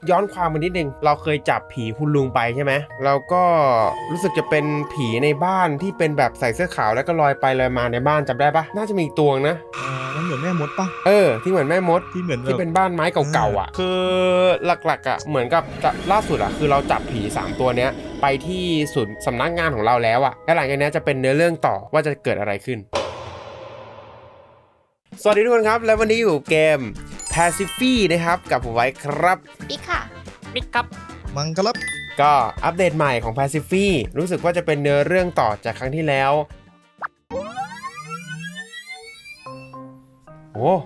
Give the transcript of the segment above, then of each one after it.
ย้อนความมานิดนึงเราเคยจับผีคุณลุงไปใช่ไหมแล้วก็รู้สึกจะเป็นผีในบ้านที่เป็นแบบใส่เสื้อขาวแล้วก็ลอยไปลอยมาในบ้านจำได้ปะน่าจะมีอีกตัวนะมันเหมือนแม่มดปะที่เหมือนแม่มดที่เหมือนที่เป็นบ้านไม้เก่าๆอ่ะคือหลักๆอ่ะเหมือนกับล่าสุดอ่ะคือเราจับผี3ตัวเนี้ยไปที่ศูนย์สำนักงานของเราแล้วอ่ะและหลังจากนี้จะเป็นเนื้อเรื่องต่อว่าจะเกิดอะไรขึ้นสวัสดีทุกคนครับและวันนี้อยู่เกม Pacify นะครับกับผมไว้ครับปิ๊กค่ะมิกครับมังครับก็อัปเดตใหม่ของ Pacify รู้สึกว่าจะเป็นเนื้อเรื่องต่อจากครั้งที่แล้วโอ้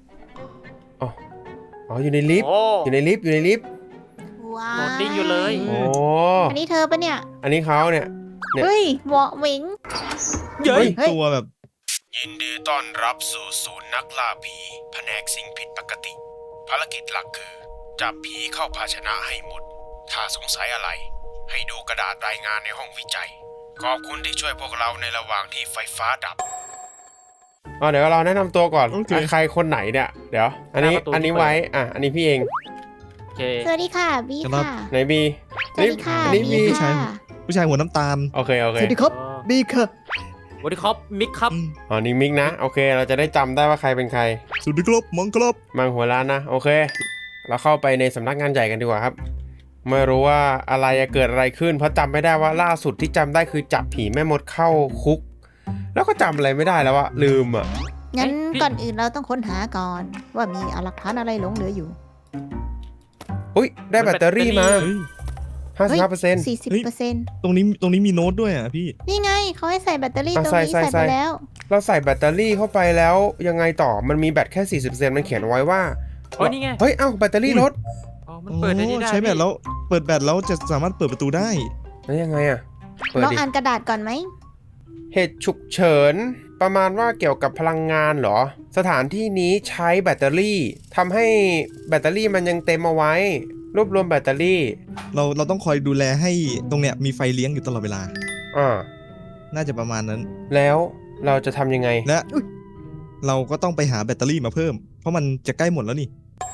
อยู่ในลิฟต์อยู่ในลิฟต์ว้าโหลดดิ้งอยู่เลยโอ้อันนี้เธอปะเนี่ยอันนี้เขาเนี่ยเฮ้ยเหมาะหมิงเฮ้ยตัวแบบยินดีต้อนรับสู่ศูนย์นักล่าผีแผนกสิ่งผิดปกติภารกิจหลักคือจับผีเข้าภาชนะให้หมดถ้าสงสัยอะไรให้ดูกระดาษรายงานในห้องวิจัยขอบคุณที่ช่วยพวกเราในระหว่างที่ไฟฟ้าดับเดี๋ยวเราแนะนำตัวก่อนใครคนไหนเนี่ยเดี๋ยวอันนี้ไว้อันนี้พี่เองสวัสดีค่ะบีค่ะไหนบีสวัสดีค่ะนี่บีผู้ชายหัวน้ำตาลโอเคสวัสดีครับบีค่ะสวัสดีครับมิกครับนี่มิกนะโอเคเราจะได้จำได้ว่าใครเป็นใครสวัสดีครับมังครับมังหัวล้านนะโอเคเราเข้าไปในสำนักงานใหญ่กันดีกว่าครับไม่รู้ว่าอะไรจะเกิดอะไรขึ้นเพราะจำไม่ได้ว่าล่าสุดที่จำได้คือจับผีแม่มดเข้าคุกแล้วก็จำอะไรไม่ได้แล้วอะลืมอะงั้นก่อนอื่นเราต้องค้นหาก่อนว่ามีหลักฐานอะไรหลงเหลืออยู่อุ้ยได้แบตเตอรี่มา55% 40% ตรงนี้มีโน้ตด้วยอ่ะพี่นี่ไงเขาให้ใส่แบตเตอรี่ตรงนี้ใส่ไปแล้วเราใส่แบตเตอรี่เข้าไปแล้วยังไงต่อมันมีแบตแค่ 40% มันเขียนไว้ว่านี่ไงเฮ้ยแบตเตอรี่ลดมันเปิดได้ใช้แบตแล้วเปิดแบตแล้วจะสามารถเปิดประตูได้แล้วยังไงอะลองอ่านกระดาษก่อนไหมเหตุฉุกเฉินประมาณว่าเกี่ยวกับพลังงานเหรอสถานที่นี้ใช้แบตเตอรี่ทำให้แบตเตอรี่มันยังเต็มเอาไว้รวบรวมแบตเตอรี่เราต้องคอยดูแลให้ตรงเนี้ยมีไฟเลี้ยงอยู่ตลอดเวลาน่าจะประมาณนั้นแล้วเราจะทำยังไงและเราก็ต้องไปหาแบตเตอรี่มาเพิ่มเพราะมันจะใกล้หมดแล้วนี่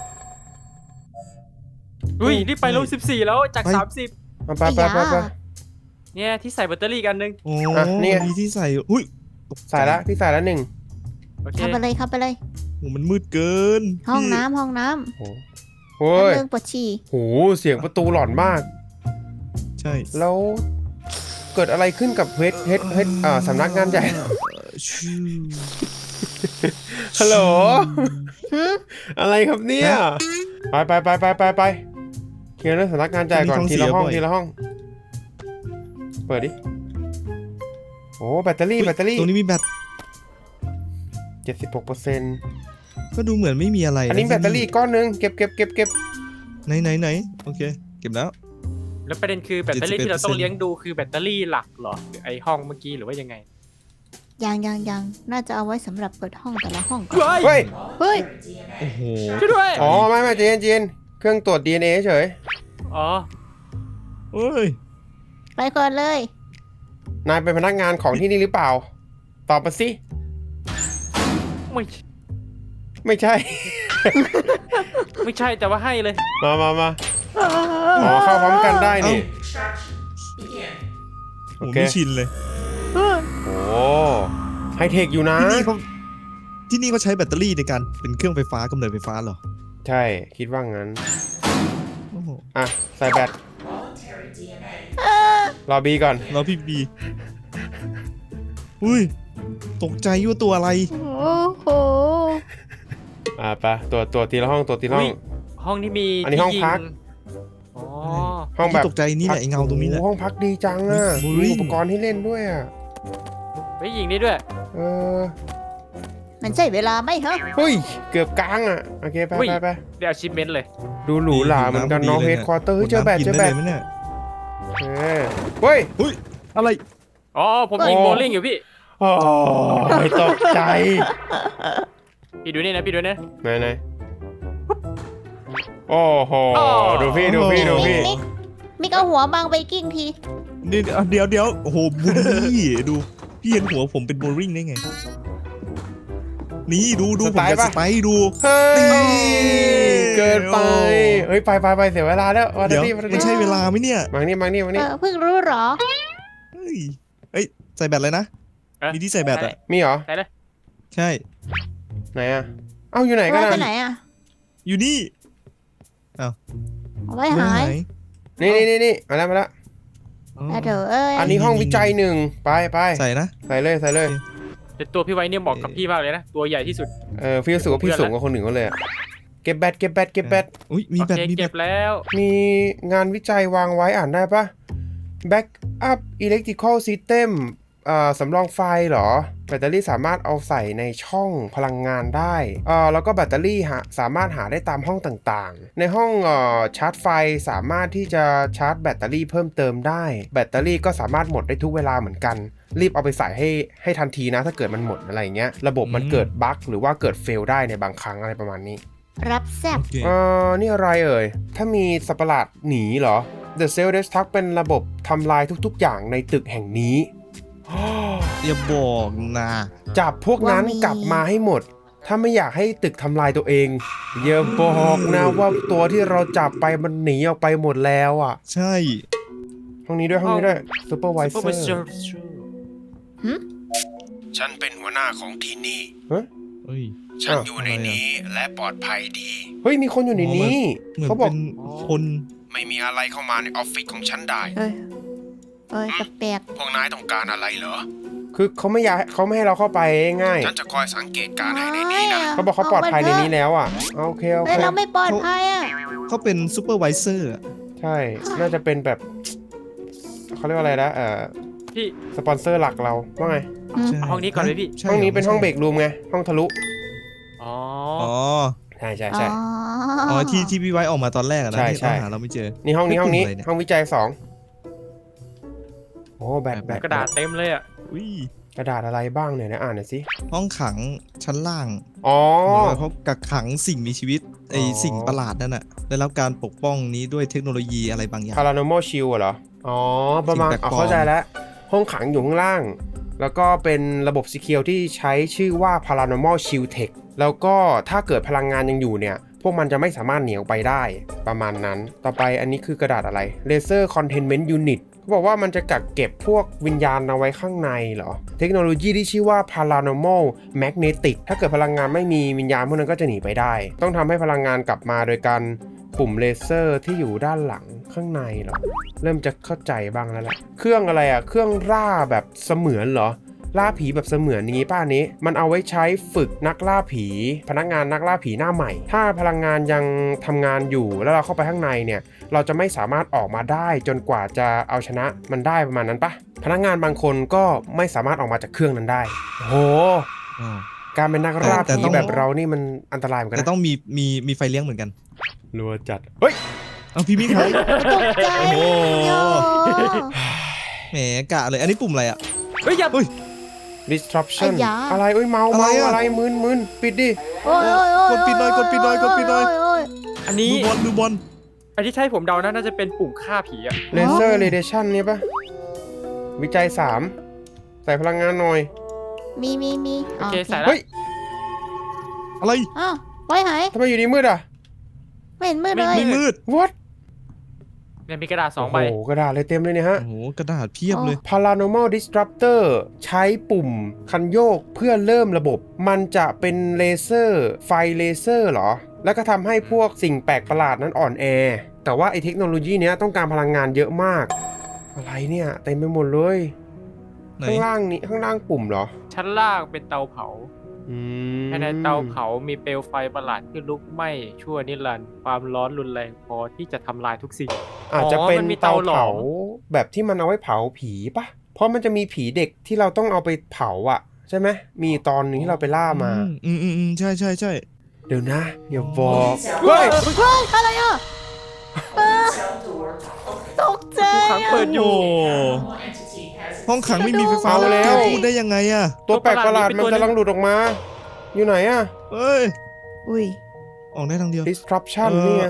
นี่ไปลง14แล้วจาก30 ไปเนี่ยที่ใส่แบตเตอรี่กันนึงนี่มีที่ใส่ใส่แล้วพี่ใส่แล้ว1 เข้าไปเลยมันมืดเกินห้องน้ำโอ้ยเรื่องปวดฉี่โหเสียงประตูหลอนมากใช่แล้วเกิดอะไรขึ้นกับเฮดสำนักงานใหญ่ฮัลโหลอะไรครับเนี่ยไปเคลียร์เรื่องสำนักงานใหญ่ก่อนทีละห้องเปิดดิโอ้แบตเตอรี่ตรงนี้มีแบต 76% ก็ดูเหมือนไม่มีอะไรอันนี้แบตเตอรี่ก้อนนึงเก็บไหนโอเคเก็บแล้วประเด็นคือแบตเตอรี่ที่เราต้องเลี้ยงดูคือแบตเตอรี่หลักเหรอไอห้องเมื่อกี้หรือว่ายังไงยังน่าจะเอาไว้สำหรับเปิดห้องแต่ละห้องก่อนเฮ้ยโอ้โหช่วยด้วยไม่เจนเครื่องตรวจ DNA เฉยเฮ้ยไปก่อนเลยนายเป็นพนักงานของที่นี่หรือเปล่าตอบมาสิไม่ใช่ไม่ใช่แต่ว่าให้เลยมาเข้าพร้อมกันได้นี่โอเคไม่ชินเลยโอ้ไฮเทคอยู่นะที่นี่เขาใช้แบตเตอรี่ในการเป็นเครื่องไฟฟ้ากำเนิดไฟฟ้าเหรอใช่คิดว่างั้นใส่แบตรอบีก่อนรอพี่บีอุ้ยตกใจว่าตัวอะไรโอ้โหไปตัวทีละห้องห้องที่มีอันนี้ห้องพักห้องแบบตกใจนี่แหละไอเงาตรงนี้แหละห้องพักดีจังมีอุปกรณ์ให้เล่นด้วยไปยิงนี่ด้วยมันใช่เวลาไหมฮะเฮ้ยเกือบกลางโอเคไปเดี๋ยวชิมเมนต์เลยดูหรูหราเหมือนกันน้องเฮดควอเตอร์เจอแบตเฮ้ยอะไรผมยิงโบลิ่งอยู่พี่ไม่ตกใจพี่ดูนี่นะไหนโอ้โหดูพี่มิกเอาหัวบังไวกิ้งทีเดี๋ยวโอ้โหบูลลี่ดูพี่เห็นหัวผมเป็นโบลิ่งได้ไงนี่ดูผมจะสไปดูเฮ้ยเกินไปเฮ้ยไปเสียเวลาแล้ววันเดี๋ยวนี้มันใช่เวลาไหมเนี่ยมานี่เพิ่งรู้เหรอเฮ้ยเอ้ยใส่แบตเลยนะ มีที่ใส่แบตอ่ะมีเหรอใช่เลยใช่ไหนอะเอ้าอยู่ไหนกันไว้อะไปไหนอ่ะอยู่นี่เอาไว้หายนี่มาแล้วอ๋อแต่เถอะเอ้ยอันนี้ห้องวิจัยหนึ่งไปใส่นะใส่เลยแต่ตัวพี่ไว้เนี่ยเหมาะกับพี่มากเลยนะตัวใหญ่ที่สุดพี่รู้สึกว่าพี่สูงกว่าคนหนึ่งเขาเลยอะเก็บแบตอุ้ยมีโอแบตเคมีแบเก็ตบแล้วมีงานวิจัยวางไว้อ่านได้ปะ Backup Electrical System สำรองไฟเหรอแบตเตอรี่สามารถเอาใส่ในช่องพลังงานได้แล้วก็แบตเตอรี่สามารถหาได้ตามห้องต่างๆในห้องชาร์จไฟสามารถที่จะชาร์จแบตเตอรี่เพิ่มเติมได้แบตเตอรี่ก็สามารถหมดได้ทุกเวลาเหมือนกันรีบเอาไปใส่ให้ทันทีนะถ้าเกิดมันหมดอะไรเงี้ยระบบมันเกิดบั๊กหรือว่าเกิดเฟลได้ในบางครั้งอะไรประมาณนี้รับแซ่บโอเคนี่อะไรเอ่ยถ้ามีสัตว์ประหลาดหนีเหรอ The Cell Destruct เป็นระบบทำลายทุกๆอย่างในตึกแห่งนี้อย่าบอกนะจับพวกนั้นกลับมาให้หมด ถ้าไม่อยากให้ตึกทำลายตัวเอง อย่าบอกนะว่าตัวที่เราจับไปมันหนีออกไปหมดแล้วอ่ะใช่ห้องนี้ด้วย Supervisor ฉันเป็นหัวหน้าของที่นี่เฮ้ยฉันอยู่ในนี้และปลอดภัยดีเฮ้ยมีคนอยู่ในนี้เหมือนเขาบอกเป็นคนไม่มีอะไรเข้ามาในออฟฟิศของฉันได้เอ้ยแปลกพวกนายต้องการอะไรเหรอคือเขาไม่ให้เราเข้าไปง่ายฉันจะคอยสังเกตการณ์ให้ในๆนี้นะเขาบอกเขาปลอดภัยในนี้แล้วอ่ะโอเคเฮ้ยเราไม่ปลอดภัยอ่ะเขาเป็นซูเปอร์ไวเซอร์ใช่ น่าจะเป็นแบบเขาเรียกว่าอะไรนะพี่สปอนเซอร์หลักเราว่าไงเอาห้องนี้ก่อนเลยพี่ใช่ห้องนี้เป็นห้องเบรกรูมไง ห้องทะลุอ๋ออ๋อใช่อ๋อที่พี่ไว้ออกมาตอนแรกอะนะใช่ที่ใช่เราหาเราไม่เจอนี่ห้องนี้กลุ่มอะไรเนี่ยห้องวิจัย2โอ้แบตกระดาษเต็มเลยอ่ะอุ้ยกระดาษอะไรบ้างเนี่ยนะอ่านหน่อยสิห้องขังชั้นล่างอ๋อเหมือนว่าเขากักขังสิ่งมีชีวิตไออ๋อสิ่งประหลาดนั่นน่ะได้รับการปกป้องนี้ด้วยเทคโนโลยีอะไรบางอย่าง Paranormal Shield เหรอ อ๋อ ประมาณสิ่งแปลกปลอมเข้าใจแล้ว ห้องขังอยู่ข้างล่าง แล้วก็เป็นระบบ Secure ที่ใช้ชื่อว่า Paranormal Shield Tech แล้วก็ถ้าเกิดพลังงานยังอยู่เนี่ย พวกมันจะไม่สามารถหนีออกไปได้ ประมาณนั้น ต่อไปอันนี้คือกระดาษอะไร Laser Containment Unit เขาบอกว่ามันจะกักเก็บพวกวิญญาณเอาไว้ข้างในเหรอ เทคโนโลยีที่ชื่อว่า Paranormal Magnetic ถ้าเกิดพลังงานไม่มีวิญญาณพวกนั้นก็จะหนีไปได้ ต้องทำให้พลังงานกลับมาโดยการปุ่มเลเซอร์ที่อยู่ด้านหลังข้างในเหรอ เริ่มจะเข้าใจบ้างแล้วแหละ เครื่องอะไรอะเครื่องล่าแบบเสมือนเหรอ ล่าผีแบบเสมือนอย่างนี้ป้านี้ มันเอาไว้ใช้ฝึกนักล่าผี พนักงานนักล่าผีหน้าใหม่ ถ้าพลังงานยังทำงานอยู่แล้วเราเข้าไปข้างในเนี่ย เราจะไม่สามารถออกมาได้จนกว่าจะเอาชนะมันได้ประมาณนั้นปะพนักงานบางคนก็ไม่สามารถออกมาจากเครื่องนั้นได้โอ้โหอ๋อการเป็นนักล่าแต่ผีต้องแบบเรานี่มันอันตรายเหมือนกันแต่นะต้องมีไฟเลี้ยงเหมือนกันรัวจัดเฮ้ยเอาพี่มิ้งครับตกใจโอ้โหโย่แหมกะเลยอันนี้ปุ่มอะไรอ่ะเฮ้ยอย่าเฮ้ย disruption ไอ้ยาอะไรเอ้ยเมาอะไรอะอะไรมึนปิดดิโอ้ยกดปิดหน่อยกดปิดหน่อยกดปิดหน่อยโอ้ยอันนี้ดูบอลอันที่ใช่ผมเดานะน่าจะเป็นปุ่มฆ่าผีอ่ะ laser radiation เนี่ยปะวิจัย3ใส่พลังงานหน่อยมีโอเคใส่แล้วเฮ้ยอะไรอ้าวไว้หายทำไมอยู่ดีมืดอ่ะไม่เห็นมืดเลยไม่มืด what เนี่ยมีกระดาษ2ใบโอ้โหกระดาษเลยเต็มเลยเนี่ยฮะโอ้โหกระดาษเพียบเลย Paranormal Disruptor ใช้ปุ่มคันโยกเพื่อเริ่มระบบ มันจะเป็นเลเซอร์ไฟเลเซอร์เหรอ แล้วก็ทำให้พวกสิ่งแปลกประหลาดนั้นอ่อนแอ แต่ว่าไอเทคโนโลยีเนี้ยต้องการพลังงานเยอะมาก อะไรเนี่ยเต็มไปหมดเลยไหนข้างล่างนี้ข้างล่างปุ่มเหรอชั้นล่างเป็นเตาเผาอืมภายในเตาเผามีเปลวไฟประหลาดที่ลุกไหม้ชั่วนิรันดร์ความร้อนรุนแรงพอที่จะทำลายทุกสิ่งอาจจะเป็นมันมีเตาเตาหลอมเผาแบบที่มันเอาไว้เผาผีปะเพราะมันจะมีผีเด็กที่เราต้องเอาไปเผาอ่ะ ใช่ไหมมีตอนหนึงที่เราไปล่ามาใช่เดี๋ยวนะอย่าบอกเฮ้ยเฮ้ยอะไรอ่ะตกใจทุกครั้งเปิดอยู่โอ้ห้องขังไม่มีไฟฟ้าเอาแล้วแกพูดได้ยังไงอะตัวแปลกประหลาดมันกำลังหลุดออกมา อยู่ไหนอะเอ้ยอุ้ยออกได้ทางเดียว disruption เออเนี่ย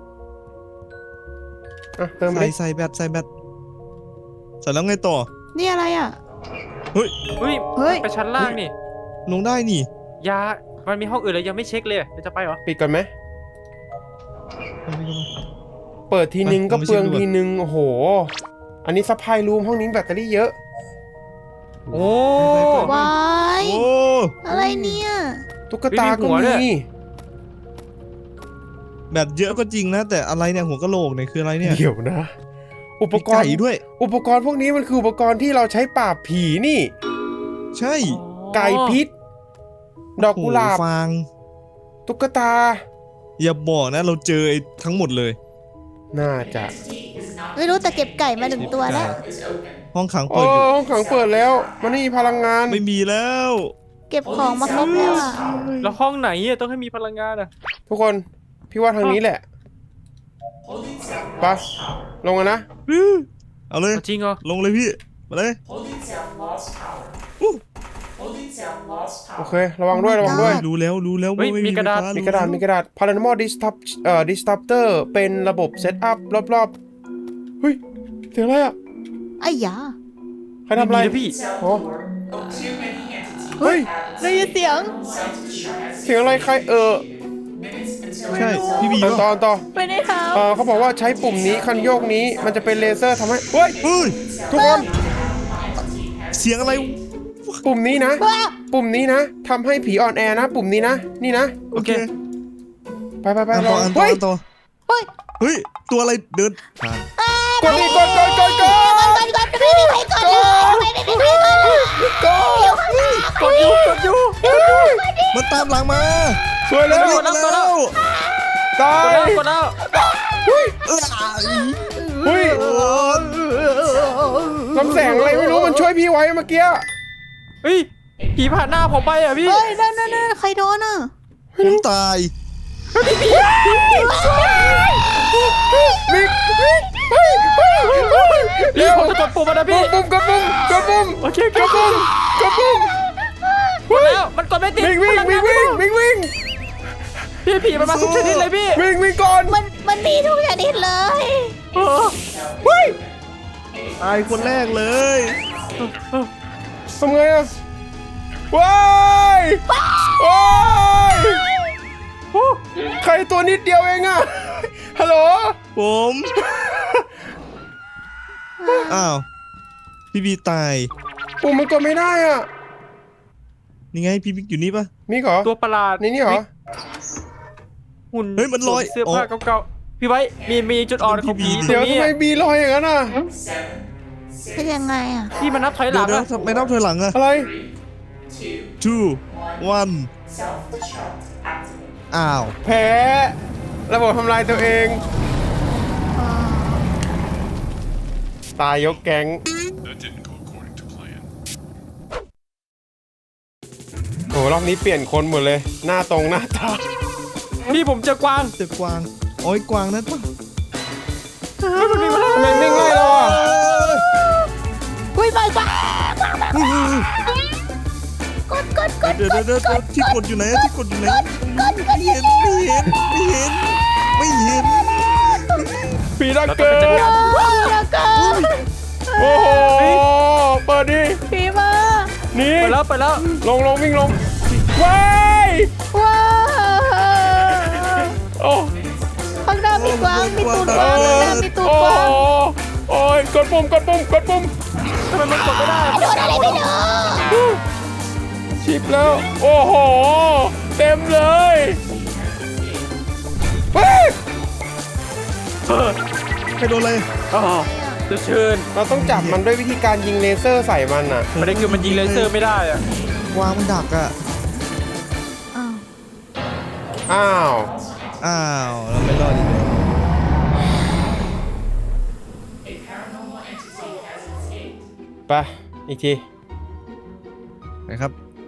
อ่ะเติมไปใส่แบตใส่แล้วไงต่อนี่อะไรอ่ะเฮ้ยเฮ้ยไปชั้นล่างนี่ลงได้นี่ยามันมีห้องอื่นเลยยังไม่เช็คเลยจะไปเหรอปิดก่อนไหมเปิดทีนึงก็ไปเปลืองลองไปเช็คดูก่อนทีนึงโอ้โห อันนี้ซัพพลายรูมห้องนี้แบตเตอรี่เยอะโอ้วายโอ้อะไรเนี่ยตุ๊กตาก็มีหัวด้มีวยแบบเยอะก็จริงนะ แต่อะไรเนี่ยหัวกะโหลกเนี่ยคืออะไรเนี่ยเดี๋ยวนะ อุปมีกรไก่ณ์ด้วยอุปกรณ์พวกนี้มันคืออุปกรณ์ที่เราใช้ปราบผีนี่ใช่ไก่พิษ ดอกกุหลาบโอ้โฟางตุ๊กตาอย่าบอกนะเราเจอไอ้ทั้งหมดเลยน่าจะไม่รู้แต่เก็บไก่มา1 ตัวแล้วห้องขังโอ้เปิดอยู่ห้องขังเปิดแล้ว มันไม่มีพลังงานไม่มีแล้วเก็บของมาครบแล้วอ่ะแล้วห้องไหนอะต้องให้มีพลังงานอะทุกคน พี่ว่าทางนี้แหละไปลงกันนะเอาเลยจริงเหรอลงเลยพี่มาเลยโอเค ระวังด้วย ระวังด้วยรู้แล้วว่าไม่มีไฟฟ้ามีกระดาษ มีกระดาษ Paranormal Disruptor เป็นระบบเซตอัพรอบๆ เฮ้ย เสียงอะไรอ่ะไอ้ยาใครทำอะไรม่มีนะพี่โอ้เฮ้ยได้ยินเสียงเสียงอะไรใครใช่พี่บีต่อป่ะต่อไปในเท้าเขาบอกว่าใช้ปุ่มนี้คันโยกนี้มันจะเป็นเลเซอร์ทำให้ เฮ้ยเฮ้ยทุกคนเสียงอะไรปุ่มนี้นะว้าปุ่มนี้นะทำให้ผีอ่อนแอนะ ปุ่มนี้นะ นี่นะโอเคไปไปไปอันลต่ออง อันต่อเฮ้ยอันต่อเฮ้ยเฮ้ยตัวอะไรเดินผ่านกดดิกดก่อนไม่มีใครก่อนเลยไม่มีใครก่อนเลยกดอยู่มันตามหลังมาสวยแล้วมันวิ่งมาแล้วตากดยแล้วกดแล้วเฮ้ยเอ้ยเฮ้ยลำแสงอะไรไม่รู้มันช่วยพี่ไว้เมื่อกี้เฮ้ยผีผ่านหน้าผมไปอะพี่เฮ้ยนั่นใครโดนอ่ะผมตายมิกเร็วผมจะกดปุ่มมันนะพี่ปุ่มกดปุ่มโอเคกดปุ่มกดแล้วมันกดไม่ติดวิ่งพี่ผีมันมาทุกชนิดเลยพี่วิ่งก่อนมันมีทุกชนิดเลยเออเฮ้ยตายคนแรกเลยทำไงอะว้ายใครตัวนิดเดียวเองอะฮัลโหลผมอ้าวพี่บีตายปุ่มมันกดไม่ได้อะนี่ไงพี่บิ๊กอยู่นี่ปะมีเหรอตัวประหลาดนี่เหรอหุ่นเฮ้ยมันลอยเสื้อผ้าเก่าๆพี่ไว้มีจุดอ่อนของผีตรเดี๋ยวงนี้ทำไมอะบีลอยอย่างนั้นอะเป็นยังไงอ่ะพี่มันนับถอยหเดี๋ลัยวงเดี๋ยวอะทำไมนับถอยหลังอะอะไร 2 1อ้าวแพ้ระบบทำลายตัวเอง ตายยกแก๊ง โอ้รอบนี้เปลี่ยนคนหมดเลย หน้าตรงหน้าตาพี่ผมเจอกวางเจอกวางโอ้ยกวางนั่นปะทำไมวิ่งไล่เราอ่ะอุ้ยไม่กว่ากเดี๋ยวที่กดอยู่ไหนที่กดอยู่ไหนไม่เห็นผีดักเราเกต้องอไปจัดการร์แล้วก็โอ้โห เปิดดิผีมานี่ไปแล้วลงวิ่งลงว้ายว้าโอ้ข้างหน้ามีกวางมีตูดกวางข้างหน้ามีตูดโอ้กวางโอ้ยกดปุ่มทำไมมันกดไม่ได้โดนอะไรไม่รู้ชิปแล้ว โอ้โห เต็มเลยเฮ้ยใครโดนเลยอ๋อจะเชิญเราต้องจับมันด้วยวิธีการยิงเลเซอร์ใส่มันอ่ะประเด็นคือมันยิงเลเซอร์ไม่ได้อะกวางมันดักอะอ้าวอ้าวเราไม่รอดอีกเลยไป อีกทีนะครับ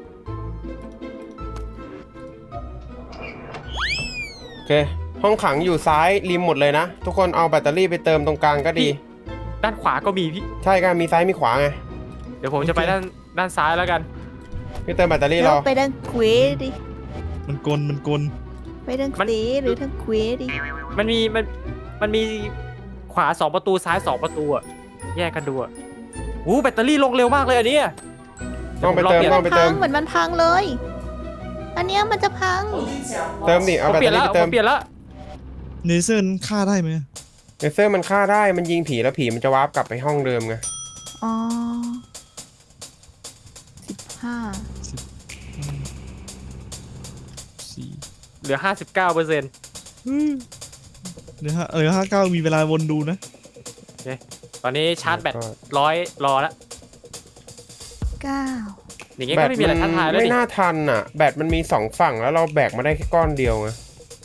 โอเค ห้องขังอยู่ซ้ายริมหมดเลยนะ ทุกคนเอาแบตเตอรี่ไปเติมตรงกลางก็ดีด้านขวาก็มีพี่ใช่กันมีซ้ายมีขวาไงเดี๋ยวผมจะไปด้านซ้ายแล้วกันพี่เติมแบตเตอรี่รแล้อวไปทางเควดิมันกลไปทางเควหรือทางเควดิมันมีขวา2ประตูซ้าย2ประตูอะแยกกันดูอะแบตเตอรี่ลงเร็วมากเลยอันเนี้ยต้องไปเติมดี๋ยวต้องผไปรเติพัมงเหมือนมันพังเลย อันเนี้ยมันจะพังเติมดิเอาผมแบตเปลี่เตยอนแล้วรี่ไปเติผม มเปลี่ยนแล้วเลเซอร์นั้นฆ่าได้ไหมเลเซอร์มันฆ่าได้มันยิงผีแล้วผีมันจะวาร์ปกลับไปห้องเดิมไงอ๋อ15 สี่เหลือ 59% เหลือ59มีเวลาวนดูนะตอนนี้ชาร์จแบต100รอแล้ว 9 อย่างงี้ก็ไม่มีอะไรท้าทายแล้วไม่ดิน่าทันอ่ะ แบตมันมี2ฝั่งแล้วเราแบกมาได้แค่ก้อนเดียวไง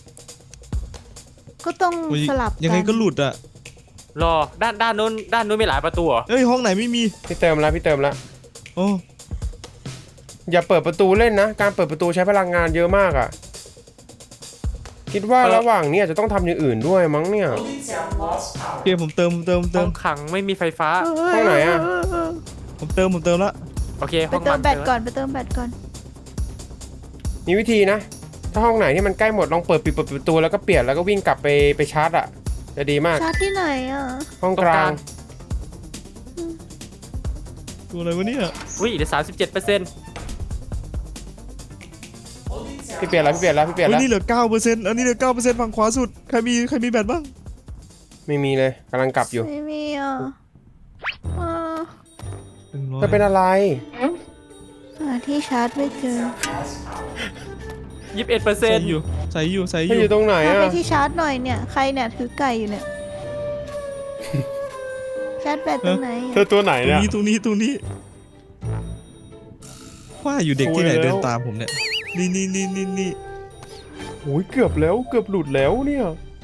ก็ต้องโอ้ยสลับกันยังไงก็หลุดอ่ะรอด้านนู้นมีหลายประตูเหรอเฮ้ยห้องไหนไม่มีพี่เติมแล้วโอ้อย่าเปิดประตูเล่นนะ การเปิดประตูใช้พลังงานเยอะมากอ่ะ คิดว่าระหว่างนี้อาจจะต้องทำอย่างอื่นด้วยมั้งเนี่ยเกมผมเติมห้องขังไม่มีไฟฟ้าห้องไหนอะผมเติมแล้วโอเคไปห้องเติมัมนแบตก่อนไปเติมแบตก่อนมีวิธีนะ ถ้าห้องไหนที่มันใกล้หมดลองเปิดปิดประตูแล้วก็เปลี่ยนแล้วก็วิ่งกลับไปชาร์จอ่ะ จะดีมากชาร์จที่ไหนอ่ะห้องกลางตัวอะไรวะเนี่ยอุ้ยเหลือ 37% พี่เปลี่ยนแล้วเฮ้ยนี่เหลือ 9%อันนี้เหลือ 9%ฝั่งขวาสุดใครมีแบตบ้างไม่มีเลยกำลังกลับอยู่ไม่มีอ่ะอ่าจะเป็นอะไรหาที่ชาร์จไม่เจอใส่ 21% อยู่ให้อยู่ตรงไหนพาไปอ่ะที่ชาร์จหน่อยเนี่ย ใครเนี่ยถือไก่อยู่เนี่ย ชาร์จแบตตรงไหนเธอตัวไหนตรงเนี่ยนี้ว่าอยู่เด็กที่ไหนโอ้ยแล้วเดินตามผมเนี่ยนี่โอ้ยเกือบหลุดแล้วเนี่ย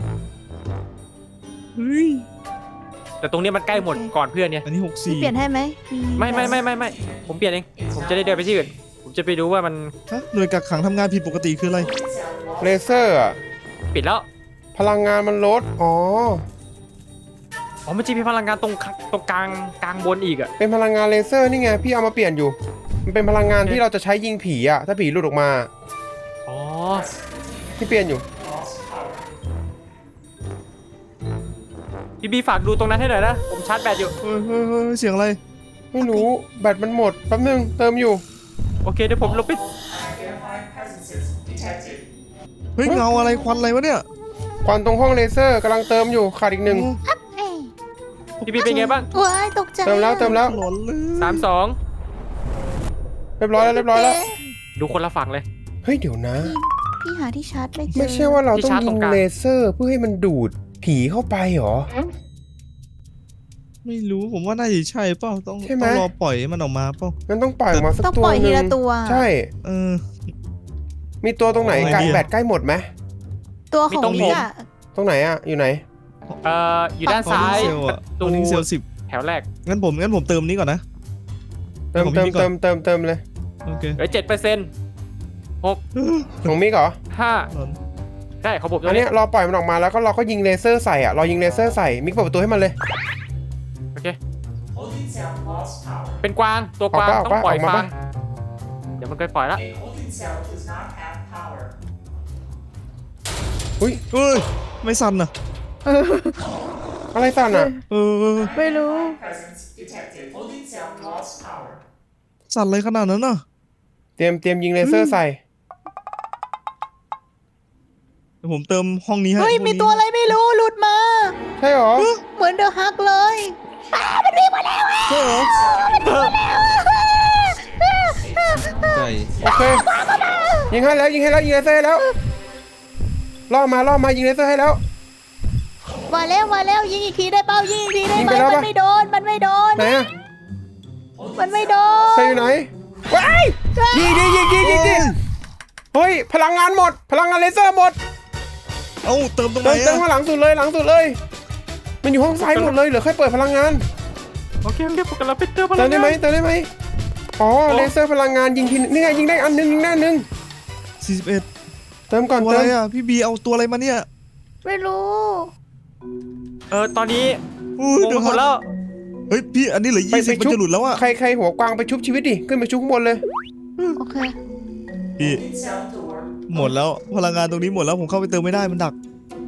เฮ้ยแต่ตรงนี้มันใกล้หมดก่อนเพื่อนเนี่ยอันนี้พี่เปลี่ยนให้ไหมไม่ ผมเปลี่ยนเอง ผมจะได้เดินไปที่อื่น ผมจะไปดูว่ามันฮะหน่วยกักขังทำงานผิดปกติคืออะไรเลเซอร์อะปิดแล้วพลังงานมันลด อ๋ออ๋อมันจะมีพลังงานตรงกลางบนอีกอะเป็นพลังงานเลเซอร์นี่ไง พี่เอามาเปลี่ยนอยู่ มันเป็นพลังงานที่เราจะใช้ยิงผีอะถ้าผีหลุดออกมาอ๋อพี่เปลี่ยนอยู่พี่บีฝากดูตรงนั้นให้หน่อยนะ ผมชาร์จแบตอยู่เฮ้ยเสียงอะไรไม่รู้ แบตมันหมด แป๊บนึง เติมอยู่โอเคเดี๋ยวผมลบไปเฮ้ยเงาอะไรควันอะไรวะเนี่ยควันตรงห้องเลเซอร์กำลังเติมอยู่ ขาดอีกหนึ่งเอ้ยพี่บีเป็นไงบ้างว้ายตกใจเติมแล้วหลอนเลย 32 เรียบร้อยแล้วดูคนละฝั่งเลยเฮ้ย เดี๋ยวนะพี่หาที่ชาร์จไม่เจอไม่ใช่ว่าเราที่ต้องชาร์จยิตรง งกลางเลเซอร์เพื่อให้มันดูดผีเข้าไปเหรอไม่รู้ผมว่าน่าจะใช่เปล่าต้องใช่ไหมต้องรอปล่อยให้มันออกมาเปล่างั้นต้องปล่อยออกมาสักต้องตัวปล่อยหทีนึ่งละตัวใช่เออมีตัวตรงไหนเอาไงใกล้ดีอะแบตใกล้หมดไหมตัวขมีองตรงพี่ผมอะตรงไหนอะอยู่ไหนอยู่ด้านซ้ายเซลล์ปอะระตตูอนนี้เซลล์แถวแรก 10งั้นผมเติมนี้ก่อนนะเติมของเติมพี่ก่อนเติมเลยโอเคเหลือ 7% ของมิกเหรอ 5ใช่ของผมตรอันงเนี้นี้ยรอปล่อยมันออกมาแล้วก็เราก็ยิงเลเซอร์ใส่อะรอยิงเลเซอร์ใส่มิกเปิดประตูให้มันเลยโอเค เป็นกวางตัวกวางออกต้ปะองปล่อยออกมาฟัปะงเดี๋ยวมันก็ปล่อยละอุ้ยเฮ้ยไม่สั่นอ่ะอะไรสั่นอะเออไม่รู้สั่นอะไรขนาดนั้นน่ะเตรียมยิงเลเซอร์ใส่เดี๋ยวผมเติมห้องนี้ให้เฮ้ยห้องมีนี้ตัวอะไรไม่รู้หลุดมาใช่เหรอเหมือนเดอะฮักเลยใช่เหรอใช่โอเค ยิงให้แล้วยิงเลเซอร์ให้แล้วล่อมายิงเลเซอร์ให้แล้วมาแล้วยิงอีกทีได้เปล่ายิงอีกทีได้ยิงไหมไปแล้วมันปะไม่โดนมันไม่โดนไหนอะมันไม่โดนใช่อยู่ไหนว้ายยิงเฮ้ยพลังงานหมด พลังงานเลเซอร์หมดเอ้าเติมตรงไหนเติมอะข้างหลังสุดเลยมันอยู่ห้องซ้ายหมดเลยเหลือแค่เปิดพลังงานโอเคผมกำลังไปเติมพลัเติมงได้งาไหมนเติมได้ไหมอ๋อเลเซอร์พลังงานยิงทีนี่ไงยิงได้อันนึงยิงได้อันนึง 41 เติมก่อนตัวเติอะไรมอ่ะพี่บีเอาตัวอะไรมาเนี่ยไม่รู้ตอนนี้อุ้ยงงเดี๋ยวหมดแล้วเฮ้ยพี่อันนี้เหลือ20มันจะหลุดแล้วอ่ะใครหัวกวางไปชุบชีวิตดิขึ้นไปชุบข้างบนเลยโอเคพี่หมดแล้วพลังงานตรงนี้หมดแล้วผมเข้าไปเติมไม่ได้มันดัก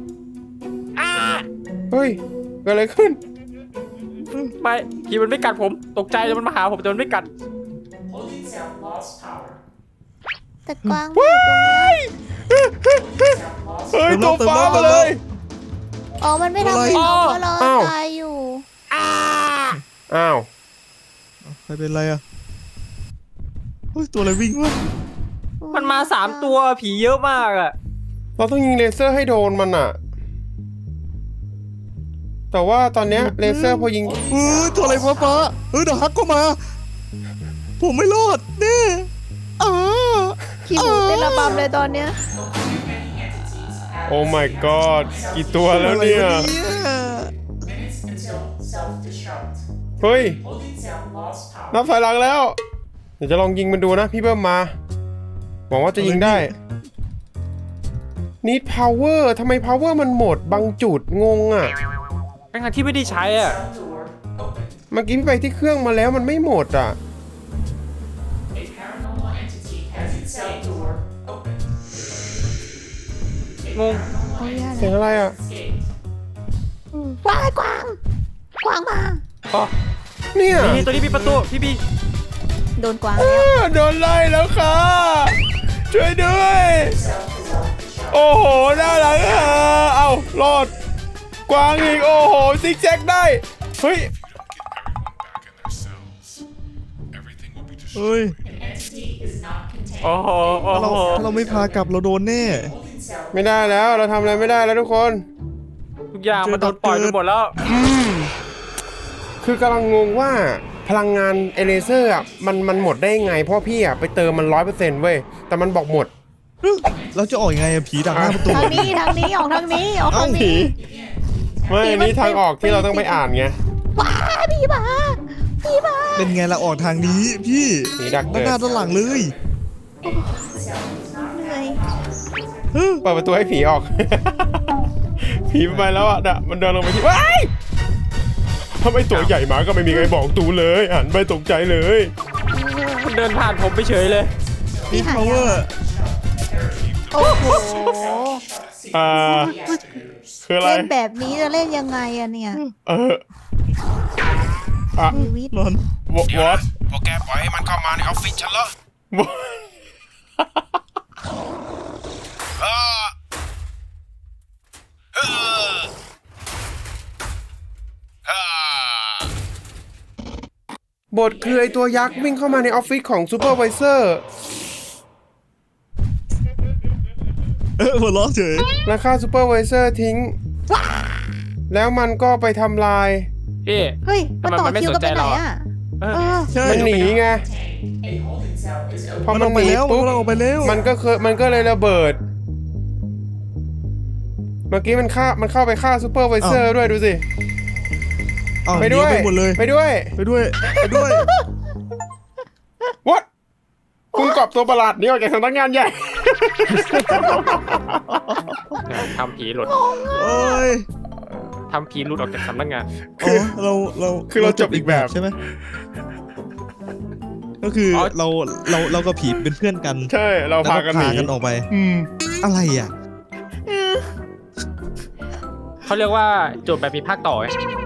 เฮ้ยเกิดอะไรขึ้นไม่ผีมันไม่กัดผมตกใจแล้วมันมาหาผมแต่มันไม่กัดแต่กวางอยู่ตรงนี้เฮ้ยตัวฟ้ามาเลยอ๋อมันไม่ทำอะไรเราเพราะเราตายอยู่อ้าวใครเป็นไรอ่ะเฮ้ยตัวอะไรวิ่งวะมันมา3 ตัวผีเยอะมากอ่ะเราต้องยิงเลเซอร์ให้โดนมันอะแต่ว่าตอนเนี้ยเลเซอร์พอยิงตัวอะไรฟ้าเดี๋ยวฮักก็มา ผมไม่รอดแน่ขี้หมูเต้นระบำเลยตอนเนี้ยโอ้ my god กี่ตัวแล้วเนี่ย เฮ้ย นับถอยหลังแล้ว เดี๋ยวจะลองยิงมันดูนะพี่เบิ้มมา หวังว่าจะยิงได้ Need power ทำไม power มันหมดบางจุดงงอ่ะทั้งที่ไม่ได้ใช้อ่ะเมื่อกี้พี่ไปที่เครื่องมาแล้วมันไม่หมดอ่ะงงเสียงอะไรอ่ะกวางมาอ๋อเนี่ยนี่ตัวนี้มีประตูพี่บีโดนกวางแล้วโดนไล่แล้วค่ะ ช่วยด้วย โอ้โหน่ารักอ่ะเอารอด กวางอีก โอ้โห ซิกแซกได้ เฮ้ยเฮ้ยโอ้โหโอ้ถ้าเราโหถ้าเราไม่พากลับเราโดนแน่ไม่ได้แล้ว เราทำอะไรไม่ได้แล้วทุกคนทุกอย่างมันโดนปล่อยไปหมดแล้วคือกำลังงงว่าพลังงานเอเลเซอร์อ่ะมันหมดได้ยังไง เพราะพี่อ่ะไปเติมมัน 100% เว้ย แต่มันบอกหมดเราจะออกยังไงอะผีดักหน้าประตูทางนี้ออกทางนี้ออกทางนี้ไม่อันนี้ทางออกที่เราต้องไปอ่านไงว้าพี่มาเป็นไงเราออกทางนี้พี่ผีดักด้านเกิดหน้าด้านหลังเลยเหนื่อยเปิดประตูให้ผีออก ผีไปแล้วอ่ะน่ะมันเดินลงไปที่ว้ายถ้าไม่ตัวใหญ่มาก็ไม่มีใครบอกตูเลยหันไปตกใจเลยมันเดินผ่านผมไปเฉยเลยนี่ power โอ้โหคืออะไรเล่นแบบนี้จะเล่นยังไงอะเนี่ย ชีวิตนอนวอทพวกแกปล่อยให้มันเข้ามาในออฟฟิศฉันเหรอเออเออเออบทคือไอตัวยักษ์วิ่งเข้ามาในออฟฟิศของซูเปอร์ไวเซอร์หัวเราะเฉยแล้วฆ่าซูเปอร์ไวเซอร์ทิ้ง แล้วมันก็ไปทำลายพี่เฮ้ยมันต่อคิวกันไปไหนอะเออใช่มันหนีไงพอมันมัอน อกหไปนีแล้วปุ๊บมันออกไปแล้วมันก็เลยระเบิด เมื่อกี้มันเข้าไปฆ่าซูเปอร์ไวเซอร์ด้วยดูสิอ้าวไปด้วยหนีไปหมดเลยไปด้วยไปด้วย ไปด้วย What คุณกอบตัวประหลาดนี้ออกจากสำนักงานใหญ่ทำผีหลุดโอ้ยทำผีหลุดออกจากสำนักงานอ๋อเราคือเราจบอีกแบบใช่ไหมก็คืออเรากับผีเป็นเพื่อนกันใช่เราพากันหนีแล้วออกไป อะไรอ่ะเขาเรียกว่าโจทย์แบบมีภาคต่อไง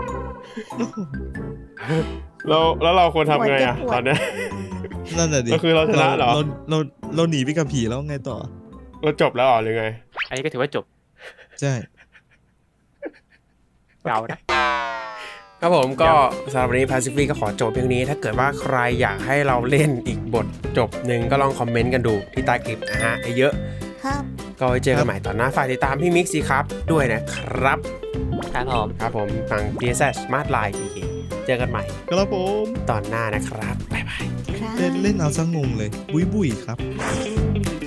แล้วเราควรทำไงอ่ะตอนเนี้ยนั่นแหละดิก็คือเราชนะเหรอเราหนีไปกับผีแล้วไงต่อเราจบแล้วเหรอหรือไงอันนี้ก็ถือว่าจบใช่เก่านะครับผมก็สำหรับวันนี้ Pacific ก็ขอจบเพียงนี้ ถ้าเกิดว่าใครอยากให้เราเล่นอีกบทจบหนึ่งก็ลองคอมเมนต์กันดูที่ใต้คลิปนะฮะเยอะครับก็ไว้เจอกันใหม่ตอนหน้าฝากติดตามพี่มิกซี่ครับด้วยนะครับครับผมครับผมทาง TSS Smart Line PK เจอกันใหม่ครับผมตอนหน้านะครับบ๊ายบายครับเล่นเอาซะงงเลย บุยครับ